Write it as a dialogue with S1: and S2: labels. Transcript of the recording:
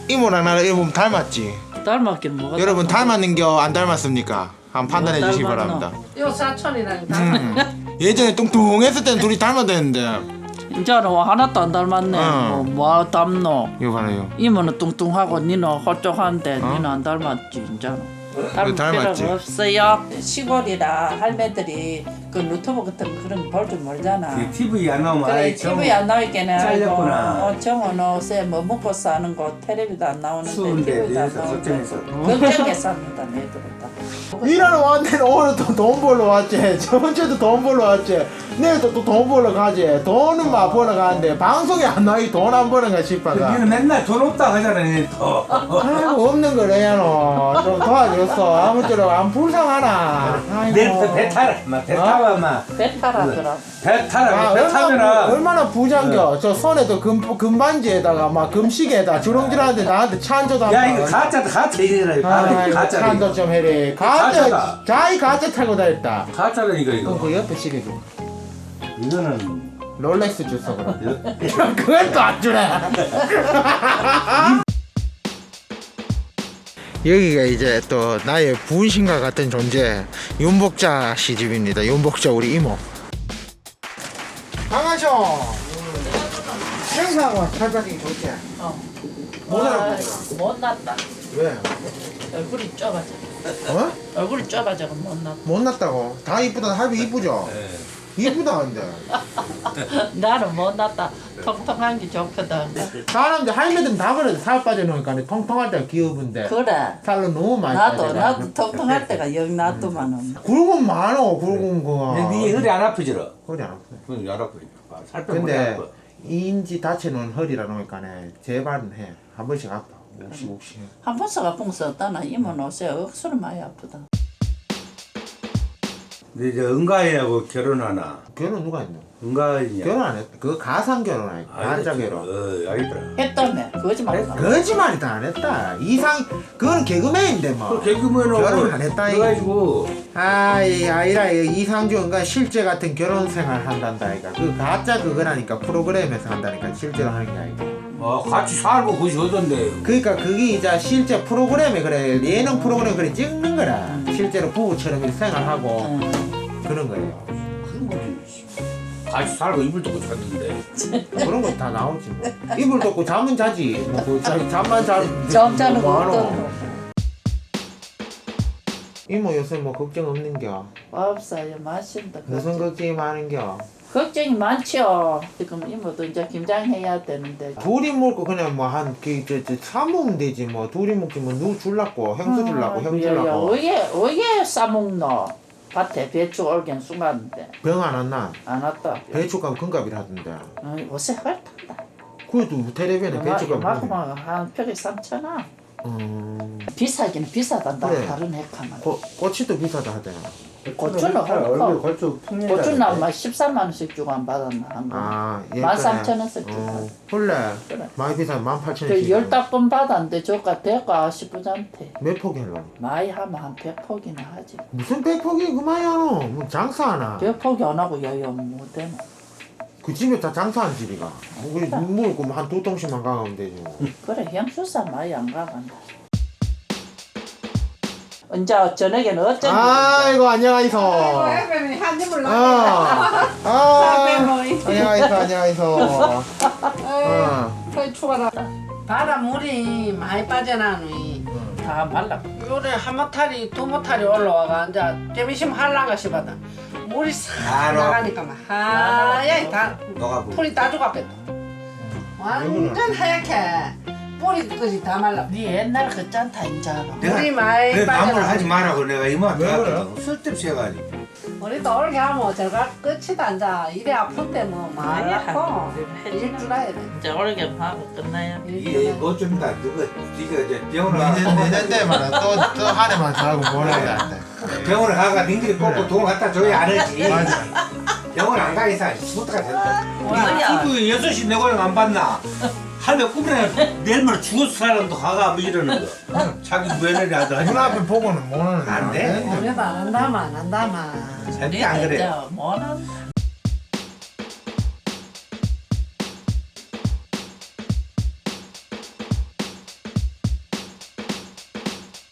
S1: 이모랑 나랑 여러분 닮았지?
S2: 닮았긴 뭐가
S1: 여러분 닮았는겨 안 닮았습니까? 한번 판단해 주시기
S2: 닮았노?
S1: 바랍니다.
S3: 요 사촌이랑
S1: 예전에 뚱뚱했을 때는 둘이 닮았다는데
S2: 이제는 하나도 안 닮았네. 뭐 닮노?
S1: 이거 봐요.
S2: 이모는 뚱뚱하고 니는 홀쭉한데 니는 안 닮았지 이제는. 닮을
S1: 닮았지.
S2: 필요가 없어요. 시골이라 할매들이 그 유튜브 같은 그런 거 볼 줄 모르잖아.
S4: TV 안 나오면
S2: 그래
S4: 아이
S2: TV 안 나오겠네.
S4: 잘렸구나.
S2: 정은 옷에 뭐 먹고 사는 거 텔레비도 안 나오는데
S4: 추운데
S2: TV도 안
S4: 위에서
S2: 나오는데
S4: 걱정해서.
S2: 걱정했습니다 내들은 다.
S1: 일하러 왔는데 오늘 또 돈 벌러 왔지. 저번 주에도 돈 벌러 왔지. 내일도 또 돈 벌러 가지. 돈은 막 벌러 가는데 방송에 안 나오기 돈 안 버는가 싶어가.
S4: 니는 맨날 돈 없다 하잖아 니는 또.
S1: 아이고 없는 거래야 너. 좀 도와줬어. 아무쪼록 안 불쌍하나.
S4: 내일부터 배 타라. 배 타봐 마.
S2: 배 타라더라.
S4: 배 타라. 배
S1: 얼마나,
S4: 타면은
S1: 얼마나 부장겨. 저 손에도 금반지에다가 막 금시계에다 주렁주렁한데 나한테 차 한 잔도 안
S4: 야 이거 가짜다 가짜 이래라.
S1: 아이고
S4: 가짜.
S1: 차 한 잔 좀 해래.
S4: 가짜다.
S1: 가짜. 자기 가짜 타고 다녔다.
S4: 가짜라니까
S1: 그럼
S4: 이거.
S1: 그 옆에 시계 줘.
S4: 이거는
S1: 롤렉스 줬어 그럼. 그걸 또 안 주네. 여기가 이제 또 나의 부인신과 같은 존재 윤복자 시집입니다. 윤복자 우리 이모. 강하셔. 생사하고 살짝이 좋지. 못 알아보더라.
S2: 못났다.
S1: 왜?
S2: 얼굴이 좁아져.
S1: 어?
S2: 얼굴이 좁아져 못났다.
S1: 못났다고? 다 이쁘다. 할비 이쁘죠? 이쁘다 근데.
S2: 나는 못났다. 통통한 게 좋거든.
S1: 사람들 할매들은 다 그래. 살 빠져놓으니까 통통할 때가 귀여운데
S2: 그래.
S1: 살로 너무 많이
S2: 나도 통통할 때가 영 놔두만은.
S1: 굵은 많어 굵은 거.
S4: 네 허리 안 아프지러?
S1: 허리 안 아파.
S4: 허리 안 아프. 살 빼면 허리
S1: 근데
S4: 아파.
S1: 인지 다쳐놓은 허리라 놓으니까네 재발은 해. 한 번씩 아파. 욱씩.
S2: 한 번씩 아픈 거 없다나 이모는 옷에 억수로 많이 아프다.
S4: 근데 이제 은가이하고 결혼하나?
S1: 결혼 누가 했노?
S4: 은가이냐?
S1: 결혼 안 했다. 그거 가상 결혼 아니고 가짜 결혼.
S4: 알겠더라.
S2: 했다며 거짓말.
S1: 거짓말이다 안 했다. 이상 그건 개그맨인데 뭐.
S4: 개그맨하고
S1: 결혼 안 했다, 이거.
S4: 그래가지고
S1: 아이라 이상준가 실제 같은 결혼 생활 한단다 아이가. 그 가짜 그거라니까 프로그램에서 한다니까 실제로 하는 게 아니고.
S4: 같이 살고 그것이 어떤데?
S1: 그러니까 그게 이제 실제 프로그램에 그래 예능 프로그램 그래 찍는 거라. 실제로 부부처럼 이렇게 생활하고 그런 거예요.
S4: 그런 거지. 같이 살고 이불 덮고 잤는데.
S1: 그런 거 다 나오지 뭐. 이불 덮고 잠은 자지. 뭐그 잠만 자는.
S2: 잠 자는 거
S1: 뭐하노.
S2: 어떤
S1: 이모 요새 뭐 걱정 없는겨?
S2: 없어요. 마신다.
S1: 무슨 걱정이 많은겨?
S2: 걱정이 많죠. 지금 이모도 이제 김장해야 되는데.
S1: 둘이 먹고 그냥 뭐 한그저 사먹으면 되지 뭐. 둘이 먹지 뭐 누구 줄라고 형수 줄라고 형 줄라고.
S2: 왜 싸먹노? 밭에 배추 올겐 숨었는데
S1: 병 안 왔나?
S2: 안 왔다.
S1: 배추값 금값이라 하던데.
S2: 옷에 헐탄다.
S1: 그래도 텔레비전에 배추값.
S2: 이만큼 한 표에 3,000원. 비싸긴 비싸단다.
S1: 그래.
S2: 다른 핵하면.
S1: 꼬치도 비싸다 하대요.
S2: 고추는
S4: 얼굴
S2: 헐고.
S4: 걸쭉
S2: 고추는 아마 13만 원씩 주고 안 받았나 한 거.
S1: 아,
S2: 13,000원씩 주고.
S1: 원래
S2: 그래.
S1: 많이 비싸면 18,000원씩.
S2: 그 15번 받았는데 저가 대가 싶으잔테.
S1: 몇 포기 하려고?
S2: 많이 하면 한 100포기나 하지.
S1: 무슨 100포기 그만이 하노? 뭐 장사하나?
S2: 100포기 안 하고 여유 못되나.
S1: 그 집에 다 장사한 집이가. 뭐 그래 물고 한 두 통씩만 가면 되지 뭐.
S2: 그래 형수사 많이 안 가간다. 언제 저녁에는 어쩐
S1: 아이고 안녕하이소.
S3: 애들이 한 입을
S1: 어.
S3: 넣어.
S1: 안녕하이소.
S3: 거의 추가라. 바람물이 많이 빠져나니
S2: 다 말라.
S3: 요래 한 모탈이 두 모탈이 올라와가 이제 재미심 할란가 싶어다. 물이 싹 나가니까 막 하얗게 다
S4: 너가
S3: 풀이 다 죽었겠다. 완전 하얗게 뿌리까지 다 말라.
S2: 네 옛날 그 짠타 인자로.
S3: 물이 많이
S4: 내 나무를
S3: 빠져나.
S4: 하지 말라고 내가 이모한테
S1: 왜 그래?
S4: 갔거든. 쓸데없이 해가지고.
S3: 우리도 올게 하면 저가 끝이다 앉아. 이래 아플 때뭐 많이 아파. 일줄 알아야 돼.
S2: 이제 올게 하고 끝나요.
S4: 이게 어쩐다. 너가 네가 이제 병원을
S1: 내년 때만 또한 해만 더 하고 보내야 돼.
S4: 병원을 가가 닌들이 꼭꼭 돈 갖다 줘야 안 하지.
S1: 맞아.
S4: 병원 안 가 이상 못가 된다.
S2: 뭐야?
S4: 이거 6시 내 고향 안 봤나? 할매 꿈에 내일 모레 죽었을 사람도 가가 뭐 이러는 거. 자기 며느리 아들 하지 마.
S1: 눈앞에 보고는 못 하는
S4: 안 돼.
S3: 그래도 안 한다마 안 한다마.
S4: 절대 안 그래.
S2: 뭐는